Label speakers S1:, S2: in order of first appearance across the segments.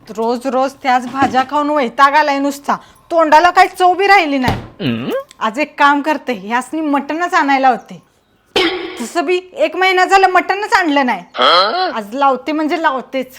S1: रोज रोज त्याच भाज्या खाऊन वैताग आलाय नुसता. तोंडाला काही चव बी राहिली नाही. आज एक काम करते, ह्यासनी मटनच आणायला होते. तसं बी 1 महिना झालं मटनच आणलं नाही. आज लावते म्हणजे लावतेच.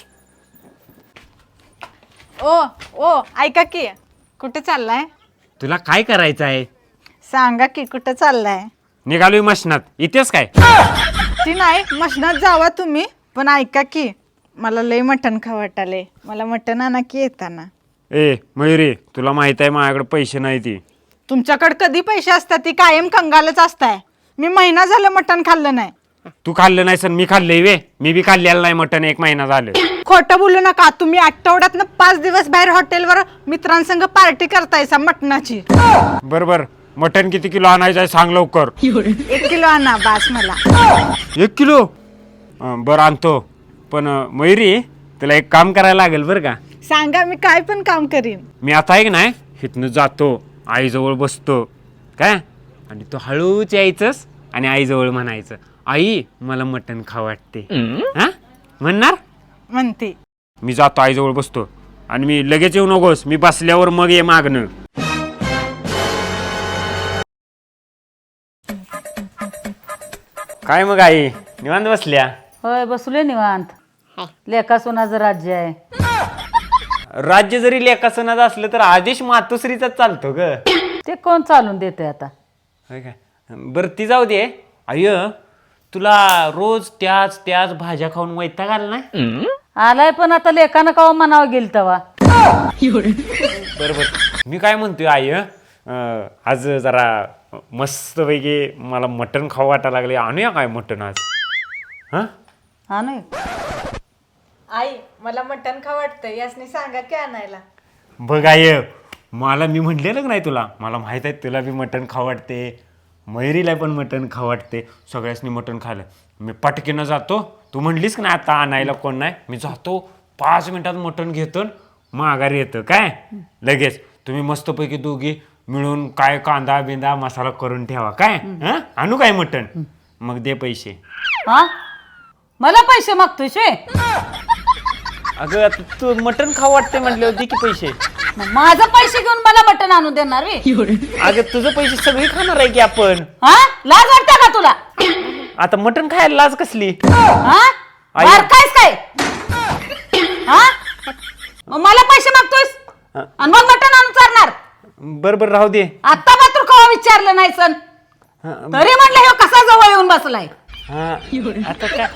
S1: ओ ओ ऐका की, कुठे चाललाय?
S2: तुला काय करायचं आहे?
S1: सांगा की कुठे चाललाय?
S2: निघालोय मशनात. इथेच काय?
S1: ती नाही, मशनात जावा तुम्ही, पण ऐका की मला लय मटण खावं वाटाले. मला मटण आणा की येताना.
S2: ए मयुरी, तुला माहित आहे माझ्याकडे पैसे नाही ती.
S1: तुमच्याकडे कधी पैसे असतात? ती कायम कंगालच असताय. मी महिना झालं मटण खाल्लं नाही.
S2: तू खाल्लं नाही सर, मी खाल्लंय वे. मी बी खाल्लेलं नाही मटण 1 महिना झालं.
S1: खोटं बोलू नका. तुम्ही आठवड्यातनं 5 दिवस बाहेर हॉटेलवर मित्रांसंग पार्टी करतायसा मटणाची.
S2: बरोबर. मटण किती किलो आणायचं आहे सांग लवकर.
S1: 1 किलो आणा बास मला.
S2: 1 किलो? बरं आणतो. पण मयुरी, तुला एक काम करायला लागेल बरं का.
S1: सांगा, मी काय पण काम करीन.
S2: मी आता आहे की नाही, इथनं जातो, आईजवळ बसतो काय, आणि तू हळूच यायचंस आणि आईजवळ म्हणायचं, आई मला मटण खावं वाटते. हा म्हणणार?
S1: म्हणते.
S2: मी जातो, आईजवळ बसतो, आणि मी लगेच येऊ नकोस. मी बसल्यावर मग ये मागणं. काय मग आई, निवांत बसल्या?
S3: होय, बसले निवांत. लेका सोनाचं राज्य आहे.
S2: राज्य जरी लेखासनाचं असलं तर आदेश मातोश्रीचाच चालतो ग.
S3: ते कोण चालून देते आता?
S2: होय काय? बरं ती जाऊ दे. अय्य, तुला रोज त्याच त्याच भाज्या खाऊन वैताग आला नाही?
S3: आलाय, पण आता लेकानं कावा म्हणावं गेल तवा.
S2: बरोबर. मी काय म्हणतोय आय, आज जरा मस्तपैकी मला मटण खाऊ वाटायला लागले. आणूया काय मटण आज?
S3: हा नाही
S1: आई मला मटण खावं वाटतं, यासनी सांगा की आणायला.
S2: बघ आय, मला मी म्हटलेलं का नाही तुला, मला माहित आहे तुला बी मटण खाऊ वाटते, मयुरीला पण मटण खाऊ वाटते, सगळ्यासनी मटण खाल्लं. मी पटकीनं जातो. तू म्हणलीस की नाही आता आणायला कोण नाही, मी जातो 5 मिनिटात मटण घेतो, माघारी येतं काय लगेच. तुम्ही मस्तपैकी दोघी मिळून काय कांदा बिंदा मसाला करून ठेवा काय. आणू काय मटण? मग दे पैसे.
S3: हा, मला पैसे मागतोय शे?
S2: अगं आता तू मटण खाऊ वाटते म्हटले होते की पैसे.
S3: माझं पैसे घेऊन मला मटण आणून देणार रे?
S2: अगं तुझं पैसे सगळी खाणार आहे की आपण.
S3: हा, लाज वाटते का तुला?
S2: आता मटण खायला लाज कसली?
S3: हा, बारकायस काय? हा, मग मला पैसे मागतोयस आणि मग मटण आणून चालणार?
S2: बरोबर, राहू दे.
S3: आता मात्र कवा विचारलं नाही सन, तरी म्हटलं हे कसा जवळ येऊन बसलाय.
S2: आता काय